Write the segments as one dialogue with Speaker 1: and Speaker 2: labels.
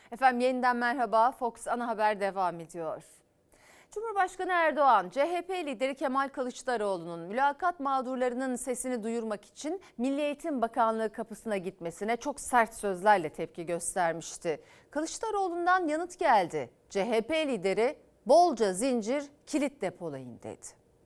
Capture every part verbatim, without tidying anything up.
Speaker 1: Efendim yeniden merhaba. Fox Ana Haber devam ediyor. Cumhurbaşkanı Erdoğan, C H P lideri Kemal Kılıçdaroğlu'nun mülakat mağdurlarının sesini duyurmak için Milli Eğitim Bakanlığı kapısına gitmesine çok sert sözlerle tepki göstermişti. Kılıçdaroğlu'ndan yanıt geldi. C H P lideri bolca zincir kilit depolayın dedi.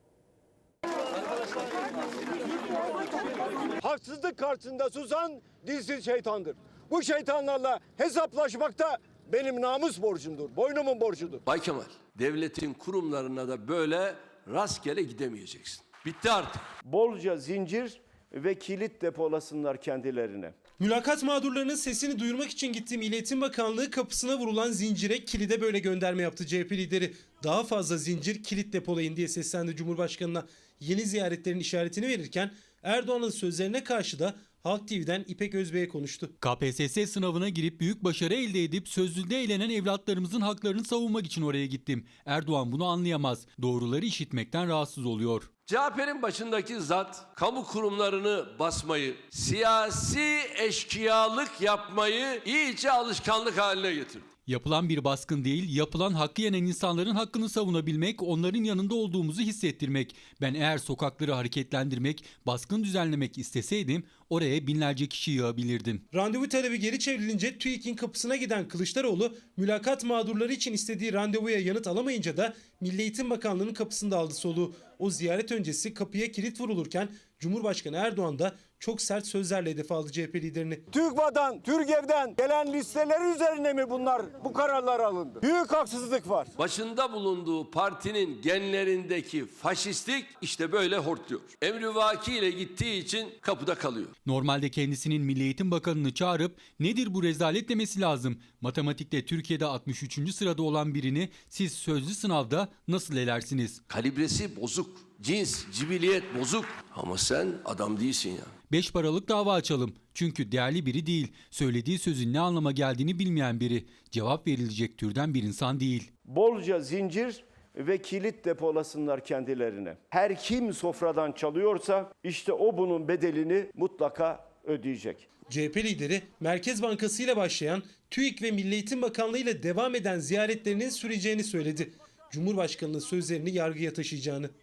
Speaker 2: Haksızlık karşısında susan dilsiz şeytandır. Bu şeytanlarla hesaplaşmak da benim namus borcumdur, boynumun borcudur.
Speaker 3: Bay Kemal, devletin kurumlarına da böyle rastgele gidemeyeceksin. Bitti artık.
Speaker 2: Bolca zincir ve kilit depolasınlar kendilerine.
Speaker 4: Mülakat mağdurlarının sesini duyurmak için gittiği Milli Eğitim Bakanlığı kapısına vurulan zincire, kilide böyle gönderme yaptı C H P lideri. Daha fazla zincir, kilit depolayın diye seslendi Cumhurbaşkanı'na. Yeni ziyaretlerin işaretini verirken Erdoğan'ın sözlerine karşı da Halk T V'den İpek Özbey'e konuştu.
Speaker 5: K P S S sınavına girip büyük başarı elde edip sözlüde eğlenen evlatlarımızın haklarını savunmak için oraya gittim. Erdoğan bunu anlayamaz. Doğruları işitmekten rahatsız oluyor.
Speaker 3: C H P'nin başındaki zat kamu kurumlarını basmayı, siyasi eşkıyalık yapmayı iyice alışkanlık haline getirdi.
Speaker 5: Yapılan bir baskın değil, yapılan hakkı yenen insanların hakkını savunabilmek, onların yanında olduğumuzu hissettirmek. Ben eğer sokakları hareketlendirmek, baskın düzenlemek isteseydim oraya binlerce kişi yığabilirdim.
Speaker 4: Randevu talebi geri çevrilince TÜİK'in kapısına giden Kılıçdaroğlu, mülakat mağdurları için istediği randevuya yanıt alamayınca da Milli Eğitim Bakanlığı'nın kapısında aldı soluğu. O ziyaret öncesi kapıya kilit vurulurken Cumhurbaşkanı Erdoğan da çok sert sözlerle hedef aldı C H P liderini.
Speaker 2: TÜGVA'dan, TÜRGEV'den gelen listeler üzerine mi bunlar, bu kararlar alındı? Büyük haksızlık var.
Speaker 3: Başında bulunduğu partinin genlerindeki faşistlik işte böyle hortluyor. Emrivaki ile gittiği için kapıda kalıyor.
Speaker 5: Normalde kendisinin Milli Eğitim Bakanı'nı çağırıp nedir bu rezalet demesi lazım. Matematikte Türkiye'de altmış üçüncü sırada olan birini siz sözlü sınavda nasıl elersiniz?
Speaker 3: Kalibresi bozuk, cins, cibiliyet bozuk ama sen adam değilsin ya.
Speaker 5: Beş paralık dava açalım. Çünkü değerli biri değil. Söylediği sözün ne anlama geldiğini bilmeyen biri. Cevap verilecek türden bir insan değil.
Speaker 2: Bolca zincir ve kilit depolasınlar kendilerine. Her kim sofradan çalıyorsa işte o bunun bedelini mutlaka ödeyecek.
Speaker 4: C H P lideri Merkez Bankası ile başlayan TÜİK ve Milli Eğitim Bakanlığı ile devam eden ziyaretlerinin süreceğini söyledi. Cumhurbaşkanının sözlerini yargıya taşıyacağını.